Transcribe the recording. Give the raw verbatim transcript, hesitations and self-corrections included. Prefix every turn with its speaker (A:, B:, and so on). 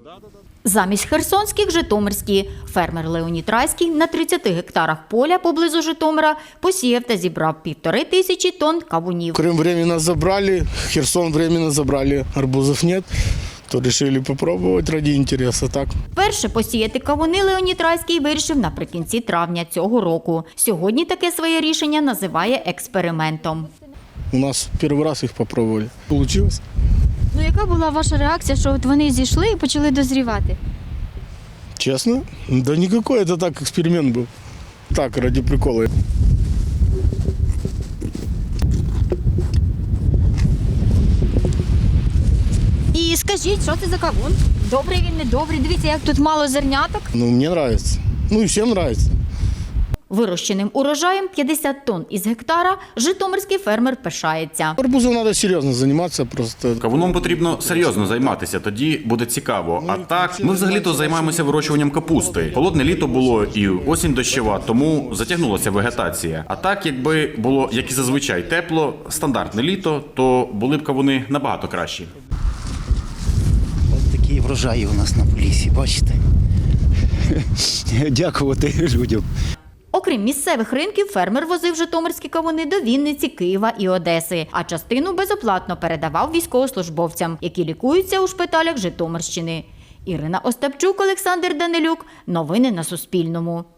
A: Замість херсонських – житомирські. Фермер Леонід Райський на тридцяти гектарах поля поблизу Житомира посіяв та зібрав півтори тисячі тонн кавунів.
B: Крым временно забрали, Херсон временно забрали, арбузов нет, то решили попробовать ради интереса, так.
A: Перше посіяти кавуни Леонід Райський вирішив наприкінці травня цього року. Сьогодні таке своє рішення називає експериментом.
B: У нас первый раз их попробовали. Получилось?
C: Ну, яка була ваша реакція, що от вони зійшли і почали дозрівати?
B: Честно? Да никакой, это так, эксперимент был. Так, ради прикола.
C: І скажіть, що це за кавун? Добрий він, недобрий? Дивіться, як тут мало зерняток.
B: Ну, мне нравится. Ну и всем нравится.
A: Вирощеним урожаєм п'ятдесят тонн із гектара житомирський фермер пишається.
B: Арбузом надо серьезно заниматься просто.
D: Кавуном потрібно серйозно займатися, тоді буде цікаво. А так, ми взагалі-то займаємося вирощуванням капусти. Холодне літо було і осінь дощова, тому затягнулася вегетація. А так, якби було, як і зазвичай, тепло, стандартне літо, то були б кавуни набагато кращі.
E: Ось такі врожаї у нас на полісі, бачите? Дякувати людям.
A: Окрім місцевих ринків, фермер возив житомирські кавуни до Вінниці, Києва і Одеси, а частину безоплатно передавав військовослужбовцям, які лікуються у шпиталях Житомирщини. Ірина Остапчук, Олександр Данилюк. Новини на Суспільному.